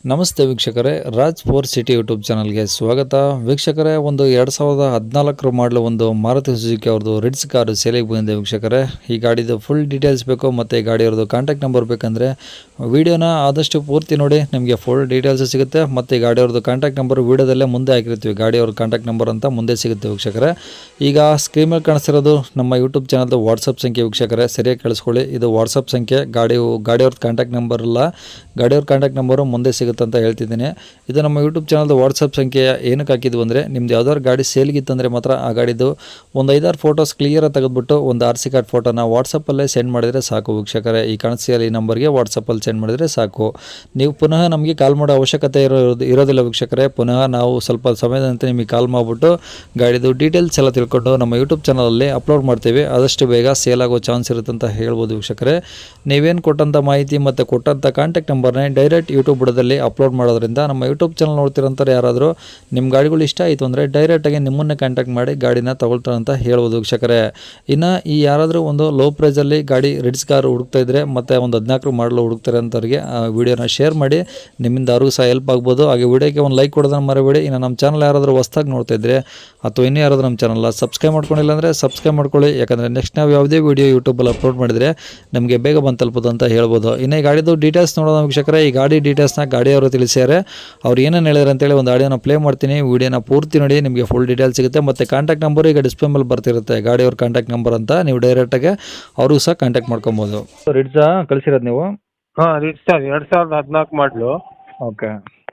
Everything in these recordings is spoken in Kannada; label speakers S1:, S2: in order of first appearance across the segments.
S1: ನಮಸ್ತೆ ವೀಕ್ಷಕರೇ, ರಾಜ್ ಫೋರ್ ಸಿಟಿ ಯೂಟ್ಯೂಬ್ ಚಾನಲ್ಗೆ ಸ್ವಾಗತ. ವೀಕ್ಷಕರೇ, ಒಂದು 2014 ಮಾಡಲು ಒಂದು ಮಾರುತಿ ಸುಜುಕಿ ಅವ್ರದ್ದು ರಿಡ್ಸ್ ಕಾರು ಸೇಲಿಗೆ ಬಂದಿದೆ. ವೀಕ್ಷಕರೇ, ಈ ಗಾಡಿದು ಫುಲ್ ಡೀಟೇಲ್ಸ್ ಬೇಕು ಮತ್ತು ಗಾಡಿಯವ್ರದ್ದು ಕಾಂಟ್ಯಾಕ್ಟ್ ನಂಬರ್ ಬೇಕಂದರೆ ವೀಡಿಯೋನ ಆದಷ್ಟು ಪೂರ್ತಿ ನೋಡಿ, ನಿಮಗೆ ಫುಲ್ ಡೀಟೇಲ್ಸ್ ಸಿಗುತ್ತೆ. ಮತ್ತು ಈ ಗಾಡಿಯವ್ರದ್ದು ಕಾಂಟ್ಯಾಕ್ಟ್ ನಂಬರ್ ವೀಡಿಯೋದಲ್ಲೇ ಮುಂದೆ ಹಾಕಿರ್ತೀವಿ, ಗಾಡಿಯವ್ರ ಕಾಂಟ್ಯಾಕ್ಟ್ ನಂಬರ್ ಅಂತ ಮುಂದೆ ಸಿಗುತ್ತೆ. ವೀಕ್ಷಕರೇ, ಈಗ ಸ್ಕ್ರೀನ್ ಮೇಲೆ ಕಾಣಿಸ್ತಿರೋದು ನಮ್ಮ ಯೂಟ್ಯೂಬ್ ಚಾನಲ್ದು ವಾಟ್ಸಪ್ ಸಂಖ್ಯೆ. ವೀಕ್ಷಕರೇ, ಸರಿಯಾಗಿ ಕೇಳಿಸ್ಕೊಳ್ಳಿ, ಇದು ವಾಟ್ಸಪ್ ಸಂಖ್ಯೆ. ಗಾಡಿಯವ್ರದ್ದು ಕಾಂಟ್ಯಾಕ್ಟ್ ನಂಬರ್ ಇಲ್ಲ, ಗಾಡಿಯವ್ರ ಕಾಂಟ್ಯಾಕ್ಟ್ ನಂಬರು ಮುಂದೆ ಸಿಗುತ್ತೆ ಅಂತ ಹೇಳ್ತಿದ್ದೀನಿ. ಇದು ನಮ್ಮ ಯೂಟ್ಯೂಬ್ ಚಾನಲ್ದು ವಾಟ್ಸಪ್ ಸಂಖ್ಯೆ ಏನಕ್ಕೆ ಹಾಕಿದ್ವು ಅಂದರೆ, ನಿಮ್ದು ಯಾವ್ದಾದ್ರು ಗಾಡಿ ಸೇಲ್ಗಿತ್ತಂದರೆ ಮಾತ್ರ ಆ ಗಾಡಿದು ಒಂದು 5-6 ಫೋಟೋಸ್ ಕ್ಲಿಯರಾಗಿ ತೆಗೆದುಬಿಟ್ಟು ಒಂದು RC ಕಾರ್ಡ್ ಫೋಟೋನ ವಾಟ್ಸಪ್ಪಲ್ಲೇ ಸೆಂಡ್ ಮಾಡಿದರೆ ಸಾಕು. ವೀಕ್ಷಕರೇ, ಈ ಕಾಣಿಸ್ತಿರೋ ಈ ನಂಬರ್ಗೆ ವಾಟ್ಸಪ್ಪಲ್ಲಿ ಸೆಂಡ್ ಮಾಡಿದರೆ ಸಾಕು. ನೀವು ಪುನಃ ನಮಗೆ ಕಾಲ್ ಮಾಡೋ ಅವಶ್ಯಕತೆ ಇರೋದಿಲ್ಲ. ವೀಕ್ಷಕರೇ, ಪುನಃ ನಾವು ಸ್ವಲ್ಪ ಸಮಯದ ನಂತರ ನಿಮಗೆ ಕಾಲ್ ಮಾಡಿಬಿಟ್ಟು ಗಾಡಿದು ಡೀಟೇಲ್ಸ್ ಎಲ್ಲ ತಿಳ್ಕೊಂಡು ನಮ್ಮ ಯೂಟ್ಯೂಬ್ ಚಾನಲಲ್ಲಿ ಅಪ್ಲೋಡ್ ಮಾಡ್ತೀವಿ. ಆದಷ್ಟು ಬೇಗ ಸೇಲ್ ಆಗೋ ಚಾನ್ಸ್ ಇರುತ್ತೆ ಅಂತ ಹೇಳ್ಬೋದು. ವೀಕ್ಷಕರೇ, ನೀವೇನು ಕೊಟ್ಟಂಥ ಮಾಹಿತಿ ಮತ್ತು ಕೊಟ್ಟಂಥ ಕಾಂಟ್ಯಾಕ್ಟ್ ನಂಬರ್ನೇ ಡೈರೆಕ್ಟ್ ಯೂಟ್ಯೂಬ್ ಬುಡದಲ್ಲಿ ಅಪ್ಲೋಡ್ ಮಾಡೋದ್ರಿಂದ ನಮ್ಮ ಯೂಟ್ಯೂಬ್ ಚಾನಲ್ ನೋಡ್ತಿರೋಂಥವ್ರು ಯಾರಾದರೂ ನಿಮ್ಮ ಗಾಡಿಗಳು ಇಷ್ಟ ಆಯಿತು ಅಂದರೆ ಡೈರೆಕ್ಟಾಗಿ ನಿಮ್ಮನ್ನೇ ಕಾಂಟ್ಯಾಕ್ಟ್ ಮಾಡಿ ಗಾಡಿನ ತಗೊಳ್ತಾರೆ ಅಂತ ಹೇಳ್ಬೋದು. ವೀಕ್ಷಕರೇ, ಇನ್ನು ಈ ಯಾರಾದರೂ ಒಂದು ಲೋ ಪ್ರೈಸಲ್ಲಿ ಗಾಡಿ ರಿಡ್ಸ್ ಕಾರ್ ಹುಡುಕ್ತಾ ಇದ್ದರೆ ಮತ್ತು ಒಂದು 14 ಮಾಡಲು ಹುಡುಕ್ತಾರೆ ಅಂಥವ್ರಿಗೆ ವೀಡಿಯೋನ ಶೇರ್ ಮಾಡಿ, ನಿಮ್ಮಿಂದ ಅವ್ರಿಗೂ ಸಹ ಹೆಲ್ಪ್ ಆಗ್ಬೋದು. ಹಾಗೆ ವೀಡಿಯೋಗೆ ಒಂದು ಲೈಕ್ ಕೊಡೋದನ್ನು ಮರಿಬೇಡಿ. ಇನ್ನು ನಮ್ಮ ಚಾನಲ್ ಯಾರಾದರೂ ಹೊಸ್ದಾಗಿ ನೋಡ್ತಾ ಇದ್ದರೆ ಅಥವಾ ಇನ್ನೂ ಯಾರಾದರೂ ನಮ್ಮ ಚಾನಲ್ನ ಸಬ್ಸ್ಕ್ರೈಬ್ ಮಾಡ್ಕೊಂಡಿಲ್ಲ ಅಂದರೆ ಸಬ್ಸ್ಕ್ರೈಬ್ ಮಾಡ್ಕೊಳ್ಳಿ. ಯಾಕಂದರೆ ನೆಕ್ಸ್ಟ್ ನಾವು ಯಾವುದೇ ವೀಡಿಯೋ ಯೂಟ್ಯೂಬಲ್ಲಿ ಅಪ್ಲೋಡ್ ಮಾಡಿದರೆ ನಮಗೆ ಬೇಗ ಬಂದು ತಲುಪೋದು ಅಂತ ಹೇಳ್ಬೋದು. ಇನ್ನು ಈ ಗಾಡಿದು ಡೀಟೇಲ್ಸ್ ನೋಡೋಣ. ವೀಕ್ಷಕರೇ, ಈ ಗಾಡಿ ಡೀಟೇಲ್ಸ್ನ ಗಾಡಿಯವರು ತಿಳಿಸ್ಯಾರೆ. ಅವ್ರು ಏನೇನು ಹೇಳಿದ್ರು ಅಂತೇಳಿ ಒಂದು ಆಡಿಯೋನ ಪ್ಲೇ ಮಾಡ್ತೀನಿ. ವೀಡಿಯೋನ ಪೂರ್ತಿ ನೋಡಿ, ನಿಮಗೆ ಫುಲ್ ಡೀಟೇಲ್ಸ್ ಸಿಗುತ್ತೆ. ಮತ್ತು ಕಾಂಟ್ಯಾಕ್ಟ್ ನಂಬರ್ ಈಗ ಡಿಸ್ಪ್ಲೇ ಮೇಲೆ ಬರ್ತಿರುತ್ತೆ, ಗಾಡಿಯವ್ರ ಕಾಂಟ್ಯಾಕ್ಟ್ ನಂಬರ್ ಅಂತ. ನೀವು ಡೈರೆಕ್ಟಾಗಿ ಅವ್ರಿಗೂ ಸಹ ಕಾಂಟ್ಯಾಕ್ಟ್ ಮಾಡ್ಕೊಬೋದು. ರಿಡ್ಸಾ ಕಳಿಸಿರೋದು ನೀವು?
S2: ಹಾಂ, ರಿಡ್ಸ್ 2014 ಮಾಡಲು.
S1: ಓಕೆ.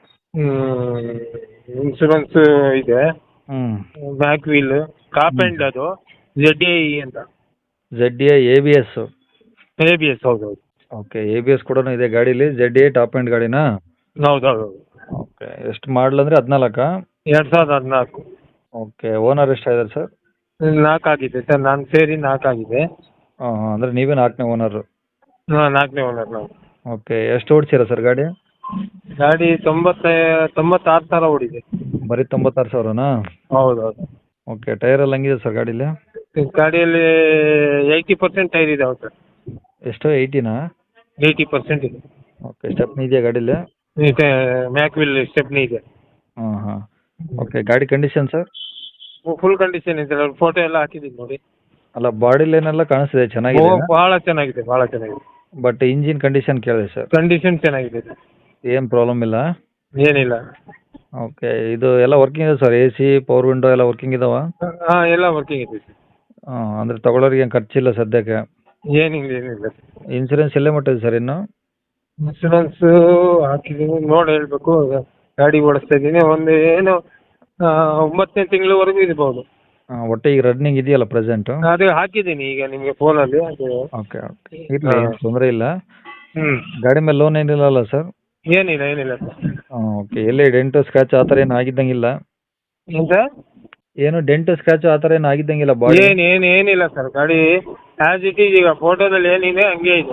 S2: ಇನ್ಶೂರೆನ್ಸ್ ಇದೆ, ಬ್ಯಾಕ್ ವೀಲ್, ಟಾಪ್ ಎಂಡ್, ಅದು ZDI ಅಂತ.
S1: ZDI ABS?
S2: ABS, ಹೌದೌದು.
S1: ಓಕೆ, ABS ಕೂಡ ಇದೆ ಗಾಡೀಲಿ. ZDI ಟಾಪ್ ಎಂಡ್ ಗಾಡಿನಾ?
S2: ಹೌದೌದು.
S1: ಓಕೆ. ಎಷ್ಟು ಮಾಡಲ್ ಅಂದರೆ 14?
S2: 2014.
S1: ಓಕೆ. Owner ಎಷ್ಟಾಗಿದ್ದಾರೆ sir?
S2: 4 ಆಗಿದೆ ಸರ್, ನಾನು ಸೇರಿ 4 ಆಗಿದೆ.
S1: ಹಾಂ ಹಾಂ, ಅಂದರೆ ನೀವೇ 4ನೇ ಓನರು?
S2: ಹಾಂ, 4ನೇ ಓನರ್ ನಾವು.
S1: ಓಕೆ. ಎಷ್ಟು ಓಡಿಸಿರ ಸರ್ ಗಾಡಿ?
S2: ಗಾಡಿ 96,000 ಓಡಿದೆ.
S1: ಬರೀ 96,000ನಾ?
S2: ಹೌದೌದು.
S1: ಓಕೆ. ಟೈರ್ ಎಲ್ಲ ಹಂಗಿದೆ ಸರ್ ಗಾಡೀಲಿ?
S2: ಗಾಡಿಯಲ್ಲಿ 80% ಟೈರ್ ಇದೆ. ಹೌದು ಸರ್.
S1: ಎಷ್ಟು? 80ನಾ?
S2: 80% ಇದೆ.
S1: ಓಕೆ. ಸ್ಟೆಪ್ನಿ ಇದೆಯಾ ಗಾಡೀಲಿ?
S2: ಮ್ಯಾಕ್ ವೀಲ್ ಸ್ಟೆಪ್ನಿ ಇದೆ.
S1: ಹಾಂ ಹಾಂ. ಓಕೆ. ಗಾಡಿ ಕಂಡೀಷನ್ ಸರ್?
S2: ಫುಲ್ ಕಂಡೀಷನ್ ಇದೆ, ಫೋಟೋ ಎಲ್ಲ ಹಾಕಿದ್ದೀನಿ ನೋಡಿ.
S1: ಅಲ್ಲ, ಬಾಡಿ ಲೈನ್ ಎಲ್ಲ ಕಾಣಿಸ್ತಿದೆ, ಚೆನ್ನಾಗಿದೆ.
S2: ಭಾಳ ಚೆನ್ನಾಗಿದೆ, ಭಾಳ ಚೆನ್ನಾಗಿದೆ.
S1: ಬಟ್ ಇಂಜಿನ್ ಕಂಡೀಷನ್ ಕೇಳಿದೆ ಸರ್.
S2: ಕಂಡೀಷನ್ ಚೆನ್ನಾಗಿದೆ,
S1: ಏನು ಪ್ರಾಬ್ಲಮ್ ಇಲ್ಲ?
S2: ಏನಿಲ್ಲ.
S1: ಓಕೆ. ಇದು ಎಲ್ಲ ವರ್ಕಿಂಗ್ ಇದೆ ಸರ್? AC, ಪವರ್ ವಿಂಡೋ ಎಲ್ಲ ವರ್ಕಿಂಗ್ ಇದಾವ?
S2: ಹಾಂ, ಎಲ್ಲ ವರ್ಕಿಂಗ್ ಇದೆ ಸರ್.
S1: ಹಾಂ, ಅಂದರೆ ತಗೊಳ್ಳೋರಿಗೆ ಏನು ಖರ್ಚಿಲ್ಲ ಸದ್ಯಕ್ಕೆ?
S2: ಏನಿಲ್ಲ.
S1: ಇನ್ಸೂರೆನ್ಸ್ ಎಲ್ಲೇ ಮಟ್ಟಿದೆ ಸರ್ ಇನ್ನು?
S2: ಇನ್ಶೂರೆನ್ಸ್ ಹಾಕಿದ್ದೀನಿ, ನೋಡಿ ಹೇಳ್ಬೇಕು. ಗಾಡಿ ಓಡಿಸ್ತಾ ಇದ್ದೀನಿ, ಒಂದು ಏನು 9ನೇ ತಿಂಗಳವರೆಗೂ ಇರ್ಬೋದು.
S1: ಹಾಂ, ಒಟ್ಟು ಈಗ ರನ್ನಿಂಗ್ ಇದೆಯಲ್ಲ ಪ್ರೆಸೆಂಟು?
S2: ಅದು ಹಾಕಿದ್ದೀನಿ ಈಗ ನಿಮಗೆ ಫೋನಲ್ಲಿ. ಅದು
S1: ಓಕೆ ಓಕೆ, ಇರಲಿ, ತೊಂದರೆ ಇಲ್ಲ.
S2: ಹ್ಞೂ,
S1: ಗಾಡಿ ಮೇಲೆ ಲೋನ್ ಏನಿಲ್ಲ ಸರ್?
S2: ಏನಿಲ್ಲ ಸರ್.
S1: ಹಾಂ, ಓಕೆ. ಎಲ್ಲಿ ಡೆಂಟು ಸ್ಕ್ರಾಚ್ ಆ ಥರ ಏನು ಆಗಿದ್ದಂಗಿಲ್ಲ?
S2: ಏನು ಸರ್? ಏನು
S1: ಡೆಂಟು ಸ್ಕ್ರಾಚು ಆ ಥರ ಏನು ಆಗಿದ್ದಂಗಿಲ್ಲ ಬಾಡಿ?
S2: ಏನಿಲ್ಲ ಸರ್. ಗಾಡಿ ಆ್ಯಸ್ ಇಟ್ ಈಸ್, ಈಗ ಫೋಟೋದಲ್ಲಿ ಏನಿದೆ ಹಂಗೆ ಇದೆ.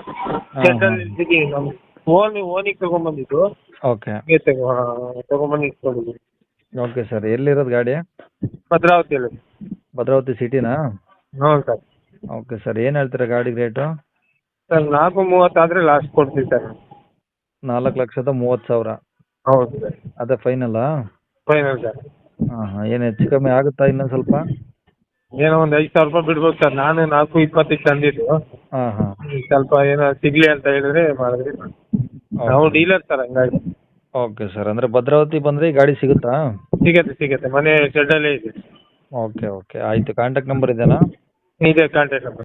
S2: ಓನಿಗೆ ತಗೊಂಡ್ಬಂದಿದ್ದು.
S1: ಓಕೆ.
S2: ತಗೊಂಡ್ಬಂದು ಇಟ್ಕೊಂಡಿದ್ದೀನಿ.
S1: Okay sir. ಎಲ್ಲಿರೋದು ಗಾಡಿ?
S2: ಭದ್ರಾವತಿಯಲ್ಲಿ.
S1: ಭದ್ರಾವತಿ ಸಿಟಿನಾ?
S2: ಹ್ಞೂ ಸರ್.
S1: Okay sir. ಏನು ಹೇಳ್ತೀರಾ ಗಾಡಿ ರೇಟು?
S2: ಸರ್ 4:30 ಆದರೆ ಲಾಸ್ಟ್ ಕೊಡ್ತೀವಿ ಸರ್.
S1: 4,30,000?
S2: ಹೌದು ಸರ್.
S1: ಅದೇ ಫೈನಲ್ಲಾ?
S2: Final sir.
S1: ಹಾಂ ಹಾಂ. ಏನು ಹೆಚ್ಚು ಕಮ್ಮಿ ಆಗುತ್ತಾ ಇನ್ನೊಂದು ಸ್ವಲ್ಪ?
S2: ಏನೋ ಒಂದು 5,000 ರೂಪಾಯಿ ಬಿಡ್ಬೋದು ಸರ್. ನಾನು 4:20 ತಂದಿದ್ದು.
S1: ಹಾಂ ಹಾಂ.
S2: ಸ್ವಲ್ಪ ಏನೋ ಸಿಗಲಿ ಅಂತ ಹೇಳಿದ್ರೆ ಮಾಡಿದ್ರಿ. ನಾವು ಡೀಲರ್ ಸರ್, ಹಂಗಾಗಿ.
S1: Okay sir. ಅಂದರೆ ಭದ್ರಾವತಿ ಬಂದರೆ ಈ ಗಾಡಿ ಸಿಗುತ್ತಾ?
S2: ಸಿಗತ್ತೆ. ಮನೆ ಶೆಡ್ಡಲ್ಲೇ ಇದೆ.
S1: ಓಕೆ ಓಕೆ, ಆಯಿತು. ಕಾಂಟ್ಯಾಕ್ಟ್ ನಂಬರ್ ಇದೆಯಾ?
S2: ಇದೆ ಕಾಂಟ್ಯಾಕ್ಟ್ ನಂಬರ್.